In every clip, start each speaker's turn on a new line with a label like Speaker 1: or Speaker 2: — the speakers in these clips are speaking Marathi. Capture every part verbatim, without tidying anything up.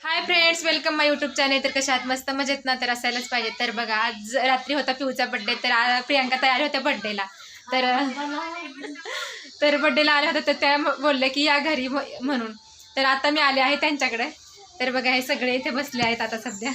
Speaker 1: High friends, welcome my YouTube channel. तर कशा आहात? मस्त मजेत ना? तर असायलाच पाहिजे. तर बघा, आज रात्री होता पिऊचा बड्डे. तर प्रियांका तयार होत्या बड्डेला. तर तर बड्डेला आल्या होत्या तर त्या बोलल्या की या घरी म्हणून. तर आता मी आले आहे त्यांच्याकडे. तर बघा, हे सगळे इथे बसले आहेत आता सध्या.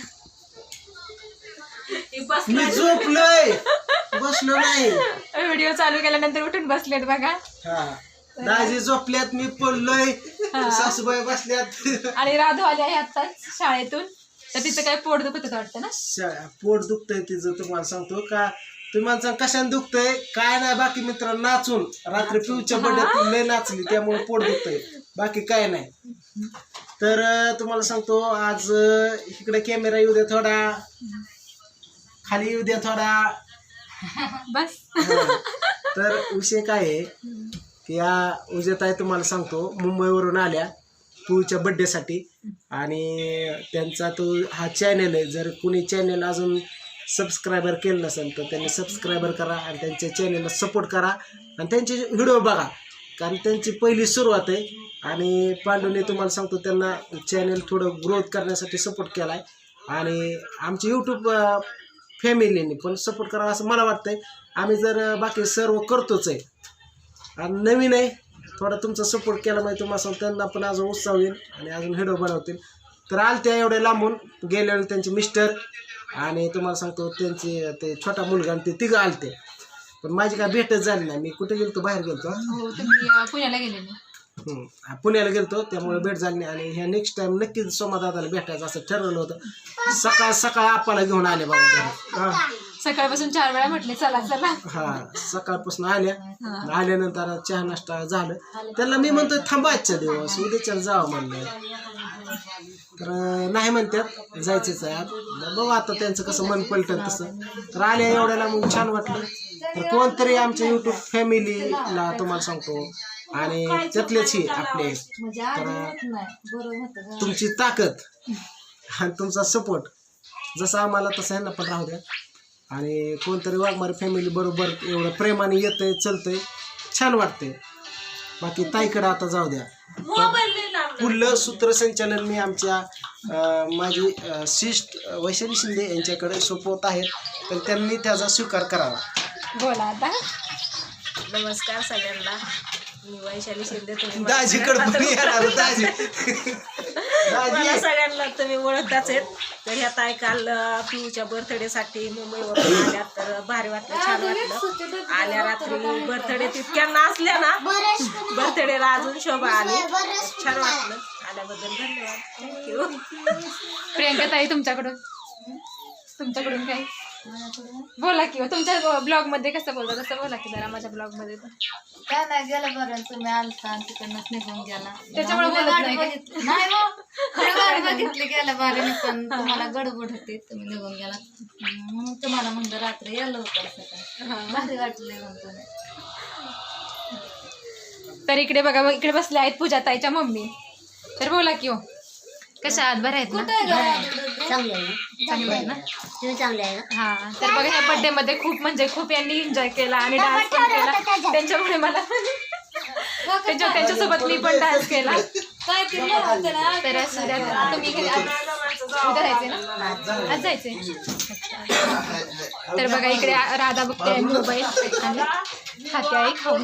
Speaker 2: मी झोपलोय, बसलो नाही.
Speaker 1: व्हिडिओ चालू केल्यानंतर उठून बसलेत बघा.
Speaker 2: दाजी झोपल्यात, मी पडलोय, सासूबाई बसल्यात
Speaker 1: आणि राधू आली आहे आत्ताच शाळेतून. तर तिचं काय पोट दुखत होतं वाटतं ना?
Speaker 2: पोट दुखतंय तिचं. तुम्हाला सांगतो का, तुम्हाला कशाने दुखतंय काय नाही. बाकी मित्र नाचून रात्री पिऊच्या बड्यात लय नाचली त्यामुळे पोट दुखतंय, बाकी काय नाही. तर तुम्हाला सांगतो, आज इकडे कॅमेरा येऊ द्या थोडा, खाली येऊ द्या थोडा
Speaker 1: बस.
Speaker 2: तर विषय काय आहे की या उद्याताई तुम्हाला सांगतो मुंबईवरून आल्या पिऊच्या बड्डेसाठी. आणि त्यांचा तो हा चॅनल आहे. जर कुणी चॅनल अजून सबस्क्रायबर केलं नसेल तर त्यांनी सबस्क्रायबर करा आणि त्यांच्या चॅनलला सपोर्ट करा आणि त्यांचे व्हिडिओ बघा, कारण त्यांची पहिली सुरुवात आहे. आणि पांडूने तुम्हाला सांगतो त्यांना चॅनल थोडं ग्रोथ करण्यासाठी सपोर्ट केला आहे. आणि आमची यूट्यूब फॅमिलीने पण सपोर्ट करावा असं मला वाटतंय. आम्ही जर बाकी सर्व करतोच आहे आणि नवीन आहे, थोडा तुमचा सपोर्ट केला माहिती तुम्हाला सांगतो त्यांना पण अजून उत्साह होईल आणि अजून व्हिडिओ बनवतील. तर आलत्या एवढे लांबून गेल्यावर त्यांचे मिस्टर आणि तुम्हाला सांगतो त्यांचे ते छोटा मुलगा आणि ते तिघं आलते. पण माझी काय भेटच झाली नाही. मी कुठे गेलतो, बाहेर गेलतो.
Speaker 1: पुण्याला गेले.
Speaker 2: पुण्याला गेलतो त्यामुळे भेट झाली नाही. आणि ह्या नेक्स्ट टाइम नक्कीच सोमादादाला भेटायचं असं ठरवलं होतं. सकाळ सकाळ आपल्याला घेऊन आले बाबा.
Speaker 1: सकाळपासून चार वेळा म्हटले चला चला.
Speaker 2: हा, सकाळपासून आल्या. आल्यानंतर चहा नाश्ता झालं. त्याला मी म्हणतोय थांबायच्या दिवस उद्याच्या जावं म्हणलं, तर नाही म्हणतात जायचंच आहे. बघू आता त्यांचं कसं मन पलटन तसं. तर आल्या एवढ्याला मग छान वाटलं. तर कोणतरी आमच्या यूट्यूब फॅमिलीला तुम्हाला सांगतो आणि त्यातलेच ही आपले, तर तुमची ताकद आणि तुमचा सपोर्ट जसा आम्हाला तसं यांना पण राहू द्या. आणि कोणतरी वाघमारे फॅमिली बरोबर एवढं प्रेमाने येतंय चलतंय, छान वाटतंय. बाकी ताईकडे आता जाऊ द्या. पुढलं सूत्रसंचालन मी आमच्या माझी शिष्ट वैशाली शिंदे यांच्याकडे सोपवत आहेत, तर त्यांनी त्याचा स्वीकार करावा.
Speaker 1: बोला आता.
Speaker 3: नमस्कार सगळ्यांना, मी वैशाली शिंदे. तुम्ही
Speaker 2: दाजीकडे दाजी
Speaker 3: मला सगळ्यांना तुम्ही ओळखताच आहेत. तर ह्या ताई काल पिऊच्या बर्थडे साठी मुंबईवरून आल्या. तर भारी वाटलं, छान वाटलं. आल्या रात्री बर्थडे तितक्या नाचल्या ना, बर्थडेला अजून शोभा आली. छान वाटलं. आल्याबद्दल धन्यवाद, थँक्यू.
Speaker 1: प्रियांका ताई, तुमच्याकडून तुमच्याकडून काय बोला की. तुमच्या ब्लॉग मध्ये कसं बोलता तसं बोला की जरा. माझ्या ब्लॉग मध्ये तर
Speaker 4: काय नाही, गेलं बरं तुम्ही आलता आणि तिकडनंच निघून गेला,
Speaker 1: त्याच्यामुळे बोलत नाही.
Speaker 4: गाडी बघितली गेलं बरं, पण तुम्हाला गडबड होती, तुम्ही निघून गेला म्हणून तुम्हाला म्हणलं रात्री यायला होतं सकाळी. भारी वाटले म्हणतो.
Speaker 1: तर इकडे बघा, इकडे बसले आहेत पूजा ताईच्या मम्मी. तर बोला की. हो, कशा आहात? बरं आहेत ना?
Speaker 4: चांगलं आहे
Speaker 1: चांगलं आहे ना?
Speaker 4: तुम्ही चांगले आहे ना?
Speaker 1: हा. तर बघा, ह्या बर्थडे मध्ये खूप म्हणजे खूप यांनी एन्जॉय केला आणि डान्स पण केला. त्यांच्यामुळे मला त्यांच्या त्यांच्यासोबत मी पण डान्स केला.
Speaker 4: काय केलं
Speaker 1: तर असं द्या. तुम्ही उद्या जायचे ना? आज जायचे. तर बघा, इकडे राधा बघते मोबाईल आणि खाते आहे खाऊन.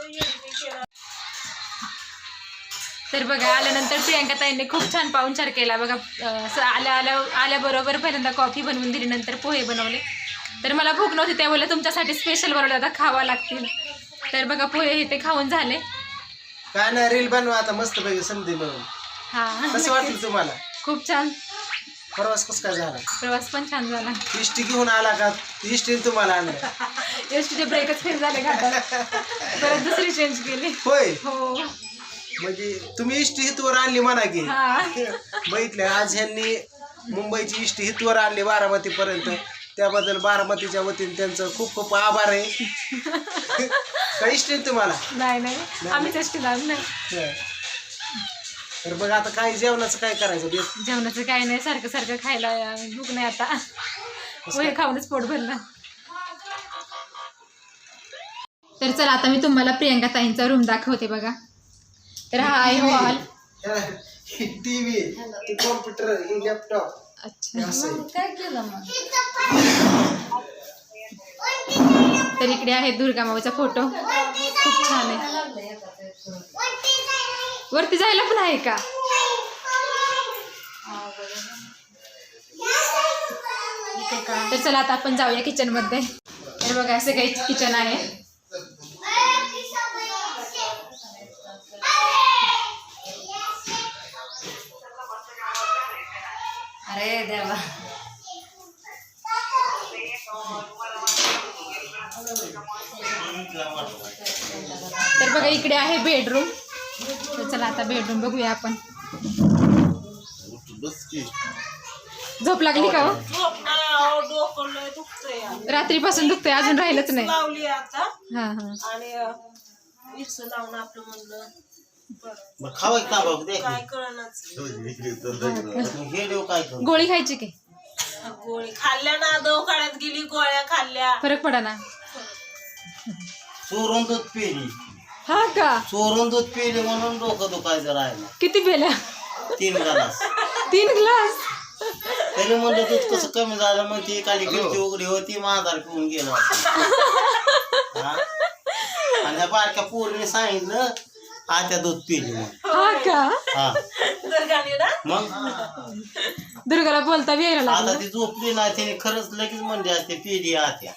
Speaker 1: तर बघा, आल्यानंतर प्रियांका ताईंनी खूप छान पाहुणचार केला बघा. आल्या आल्या आल्याबरोबर पहिल्यांदा कॉफी बनवून दिली, नंतर पोहे बनवले. तर मला भूक नव्हती, त्या बोलल्या तुमच्यासाठी स्पेशल बनवले, आता खावा लागतील. तर बघा, पोहे हे ते खाऊन झाले.
Speaker 2: काय नाही, रील बनवा आता मस्त पैकी संधी म्हणून.
Speaker 1: हा,
Speaker 2: कसं वाटलं तुम्हाला?
Speaker 1: खूप छान.
Speaker 2: प्रवास कसं काय झाला?
Speaker 1: प्रवास पण छान झाला.
Speaker 2: इष्टी घेऊन आला का? इष्टीने तुम्हाला आणलं?
Speaker 1: एसटीचे ब्रेकच फेल झाले घाटात, परत दुसरी चेंज केली.
Speaker 2: होय,
Speaker 1: हो.
Speaker 2: म्हणजे तुम्ही इष्टी हितवर आणली म्हणा की.
Speaker 1: हा,
Speaker 2: बघितलं, आज ह्यांनी मुंबईची इष्टी हितवर आणली बारामती पर्यंत. त्याबद्दल बारामतीच्या वतीने त्यांचं खूप खूप आभार आहे. का इष्टी तुम्हाला?
Speaker 1: नाही नाही, आम्हीच एसटी लावून नाही.
Speaker 2: तर बघ आता काय जेवणाचं काय करायचं?
Speaker 1: जेवणाचं काय नाही, सारखं सारखं खायला भूक नाही आता. पोहे खाऊनच पोट भरलं. तर चला, आता मी तुम्हाला प्रियांका ताईंचा रूम दाखवते बघा. तर हा आहे हॉल.
Speaker 2: ही टीव्ही ती कॉम्प्युटर ही लॅपटॉप
Speaker 1: अच्छा
Speaker 2: असं आहे.
Speaker 4: मग काय केलं मग
Speaker 1: तर इकडे आहे दुर्गा माऊचा फोटो खूप छान आहे.
Speaker 4: लागलं एकाचं एक करून.
Speaker 1: वरती जायला पण आहे का? तर चला आता आपण जाऊया किचन मध्ये. तर बघा असं काही किचन आहे.
Speaker 4: अरे देवा
Speaker 1: तर बघा इकडे आहे बेडरूम. तर चला आता बेडरूम बघूया आपण. झोप लागली का हो?
Speaker 3: झोप नाही अहो, डोकं लय दुखतंय.
Speaker 1: रात्रीपासून दुखतंय अजून राहिलंच नाही.
Speaker 3: लावली आता
Speaker 1: हा हा
Speaker 3: आणि विक्स लावून आपलं म्हणलं बरं.
Speaker 5: खावा का बाबू दे
Speaker 3: काय कळणाच
Speaker 5: हे देऊ काय करू
Speaker 1: गोळी खायची की
Speaker 3: गोळी खाल्ल्या ना दवाखान्यात गेली गोळ्या खाल्ल्या
Speaker 1: फरक पडा ना.
Speaker 5: चोरून दूध पिली
Speaker 1: हा का?
Speaker 5: चोरून दूध पिली म्हणून डोकं दुखायचं राहिलं
Speaker 1: किती पेल्या?
Speaker 5: तीन ग्लास
Speaker 1: तीन ग्लास.
Speaker 5: तरी म्हणलं दूध कसं कमी झालं मग ती खाली खिडकी उघडी होती माझा पिऊन गेला हा? आणि ह्या बारक्या पोरीने सांगितलं आत्या दूध पिली मग
Speaker 1: हा का?
Speaker 5: हा
Speaker 3: दुर्गाने ना
Speaker 5: मग
Speaker 1: दुर्गाला बोलता बी यायला
Speaker 5: आता
Speaker 1: लागलं.
Speaker 5: ती झोपली नाही तिने खरंच लगेच म्हणली असते पिली आत्या.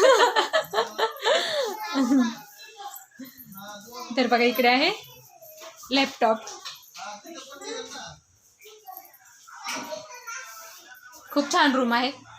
Speaker 1: तर बघा इकडे आहे लॅपटॉप. खूप छान रूम आहे.